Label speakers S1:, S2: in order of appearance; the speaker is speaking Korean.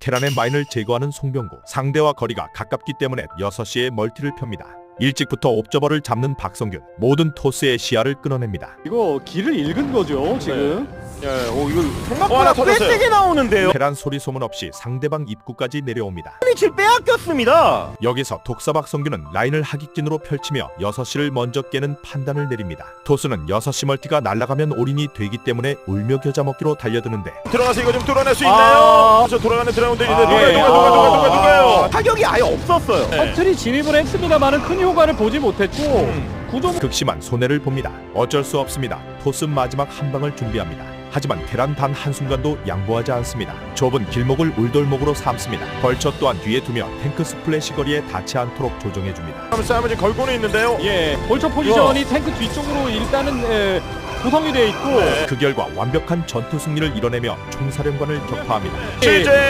S1: 테란의 마인을 제거하는 송병구. 상대와 거리가 가깝기 때문에 6시에 멀티를 펴니다. 일찍부터 옵저버를 잡는 박성균. 모든 토스의 시야를 끊어냅니다.
S2: 이거 길을 읽은 거죠 지금.
S3: 예, 오 이거
S4: 생각보다
S3: 하나
S4: 꽤
S3: 터졌어요.
S4: 세게 나오는데요.
S1: 테란 소리 소문 없이 상대방 입구까지 내려옵니다.
S4: 질 빼앗겼습니다.
S1: 여기서 독사 박성균은 라인을 하객진으로 펼치며 6시를 먼저 깨는 판단을 내립니다. 토스는 6시 멀티가 날아가면 올인이 되기 때문에 울며 겨자 먹기로 달려드는데
S3: 들어가서 이거 좀 뚫어낼 수 있나요? 저 돌아가는 드라운드 있는데 누가요?
S4: 타격이 아예 없었어요.
S3: 네.
S2: 커틀이 진입을 했습니다만은 큰 효과를 보지 못했고 구도
S1: 극심한 손해를 봅니다. 어쩔 수 없습니다. 토스 마지막 한 방을 준비합니다. 하지만 테란 단 한순간도 양보하지 않습니다. 좁은 길목을 울돌목으로 삼습니다. 벌처 또한 뒤에 두며 탱크 스플래시 거리에 닿지 않도록 조정해줍니다.
S3: 싸움을 지금 걸고는 있는데요.
S2: 예 벌처 포지션이 탱크 뒤쪽으로 일단은 구성이 되어 있고
S1: 그 결과 완벽한 전투 승리를 이뤄내며 총사령관을 격파합니다.
S3: CJ